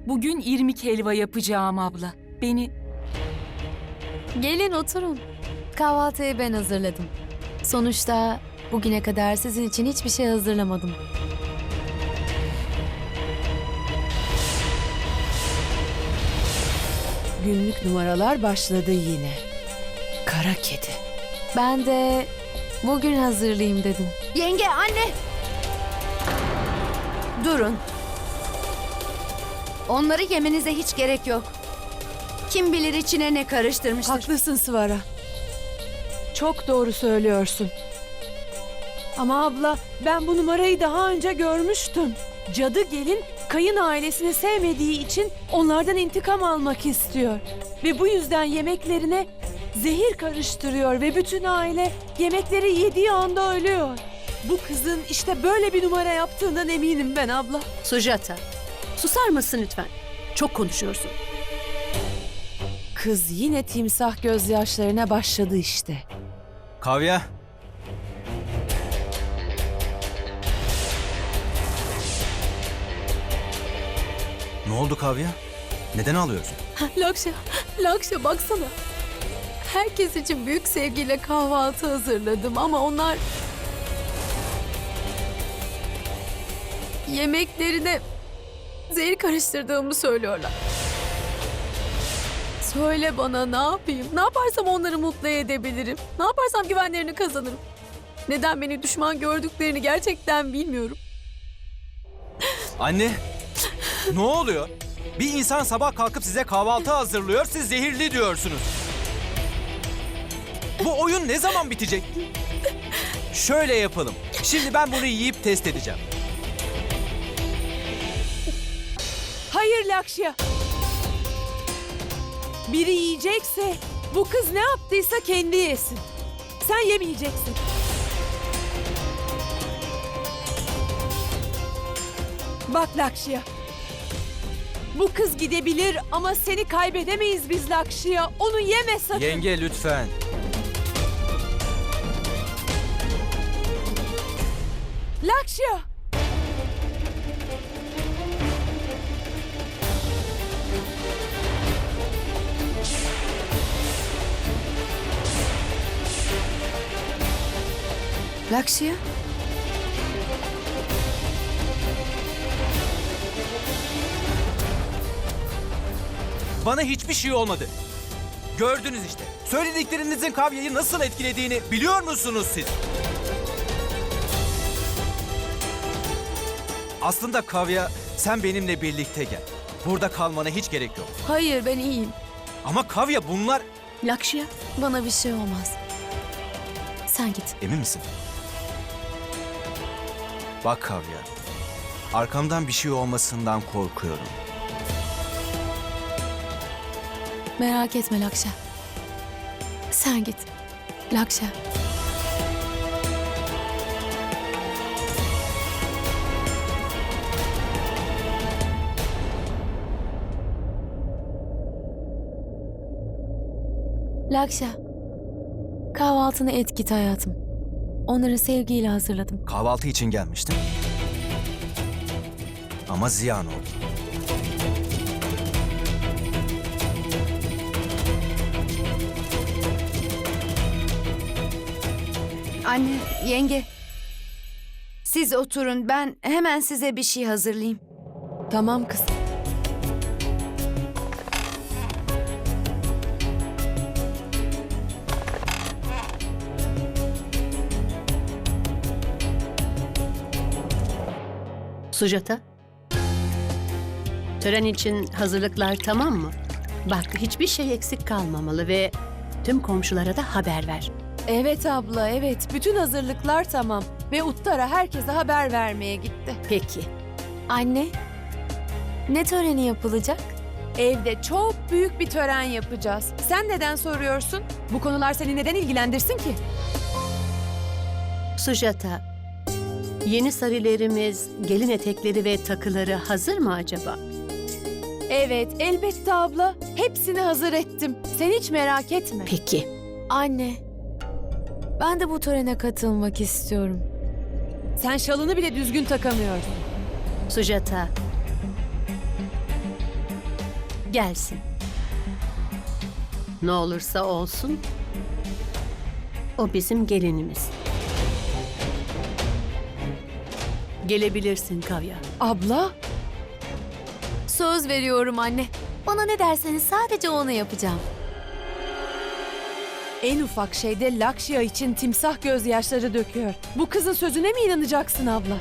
Bugün irmik helva yapacağım abla. Beni... Gelin oturun. Kahvaltıyı ben hazırladım. Sonuçta bugüne kadar sizin için hiçbir şey hazırlamadım. Günlük numaralar başladı yine. Kara kedi. Ben de bugün hazırlayayım dedim. Yenge, anne! Durun. Onları yemenize hiç gerek yok. Kim bilir içine ne karıştırmıştır. Haklısın Svara. Çok doğru söylüyorsun. Ama abla, ben bu numarayı daha önce görmüştüm. Cadı gelin kayın ailesini sevmediği için onlardan intikam almak istiyor. Ve bu yüzden yemeklerine zehir karıştırıyor ve bütün aile yemekleri yediği anda ölüyor. Bu kızın işte böyle bir numara yaptığından eminim ben abla. Sujata, susar mısın lütfen? Çok konuşuyorsun. Kız yine timsah gözyaşlarına başladı işte. Kavya. Ne oldu Kavya? Neden ağlıyorsun? Lakşa baksana. Herkes için büyük sevgiyle kahvaltı hazırladım ama onlar... yemeklerine zehir karıştırdığımı söylüyorlar. Söyle bana, ne yapayım? Ne yaparsam onları mutlu edebilirim? Ne yaparsam güvenlerini kazanırım? Neden beni düşman gördüklerini gerçekten bilmiyorum. Anne, ne oluyor? Bir insan sabah kalkıp size kahvaltı hazırlıyor, siz zehirli diyorsunuz. Bu oyun ne zaman bitecek? Şöyle yapalım. Şimdi ben bunu yiyip test edeceğim. Hayır Lakşya. Biri yiyecekse bu kız ne yaptıysa kendi yesin. Sen yemeyeceksin. Bak Lakşya. Bu kız gidebilir ama seni kaybedemeyiz biz Lakşya. Onu yeme sakın. Yenge lütfen. Lakşya. Lakşya? Bana hiçbir şey olmadı. Gördünüz işte. Söylediklerinizin Kavya'yı nasıl etkilediğini biliyor musunuz siz? Aslında Kavya, sen benimle birlikte gel. Burada kalmana hiç gerek yok. Hayır, ben iyiyim. Ama Kavya bunlar... Lakşya, Bana bir şey olmaz. Sen git. Emin misin? Bak Kavya, arkamdan bir şey olmasından korkuyorum. Merak etme Lakşa. Sen git. Lakşa. Lakşa. Kahvaltını et git hayatım. Onları sevgiyle hazırladım. Kahvaltı için gelmiştim. Ama ziyan oldu. Anne, yenge. Siz oturun, ben hemen size bir şey hazırlayayım. Tamam kız. Sujata. Tören için hazırlıklar tamam mı? Bak, hiçbir şey eksik kalmamalı ve tüm komşulara da haber ver. Evet abla, evet. Bütün hazırlıklar tamam. Ve Uttara herkese haber vermeye gitti. Peki. Anne. Ne töreni yapılacak? Evde çok büyük bir tören yapacağız. Sen neden soruyorsun? Bu konular seni neden ilgilendirsin ki? Sujata, yeni sarilerimiz, gelin etekleri ve takıları hazır mı acaba? Evet, elbette abla. Hepsini hazır ettim. Sen hiç merak etme. Peki. Anne. Ben de bu törene katılmak istiyorum. Sen şalını bile düzgün takamıyordun. Sujata, gelsin. Ne olursa olsun o bizim gelinimiz. Gelebilirsin Kavya. Abla, Söz veriyorum anne. Bana ne derseniz sadece onu yapacağım. en ufak şeyde Lakşya için timsah gözyaşları döküyor. Bu kızın sözüne mi inanacaksın abla?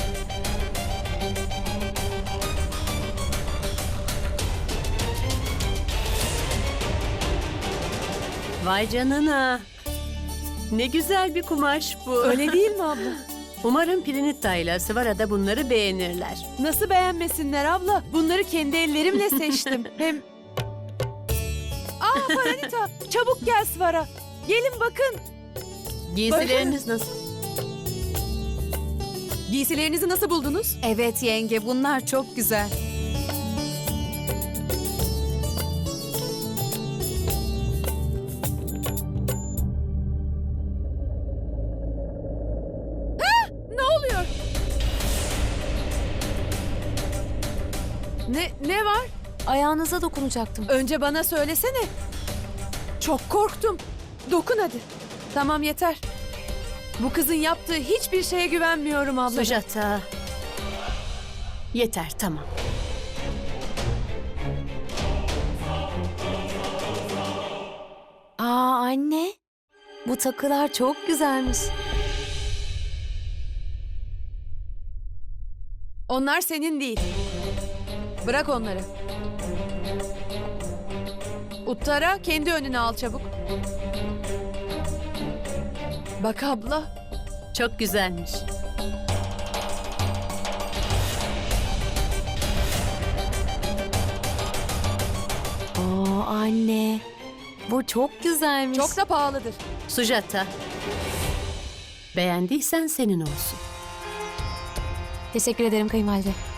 Vay canına. Ne güzel bir kumaş bu. Öyle değil mi abla? Umarım Prinita ile Svara da bunları beğenirler. Nasıl beğenmesinler abla? Bunları kendi ellerimle seçtim. Hem... Paranita, çabuk gel Svara. Gelin bakın. Giysileriniz nasıl? Giysilerinizi nasıl buldunuz? Evet yenge, bunlar çok güzel. Ne oluyor? Ne var? Ayağınıza dokunacaktım. Önce bana söylesene. Çok korktum. Dokun hadi. Tamam yeter. Bu kızın yaptığı hiçbir şeye güvenmiyorum abla. Sujata. Yeter, tamam. Aa anne. Bu takılar çok güzelmiş. Onlar senin değil. Bırak onları. Uttara kendi önüne al çabuk. Bak abla. Çok güzelmiş. Aa anne. Bu çok güzelmiş. Çok da pahalıdır. Sujata. Beğendiysen senin olsun. Teşekkür ederim kayınvalide.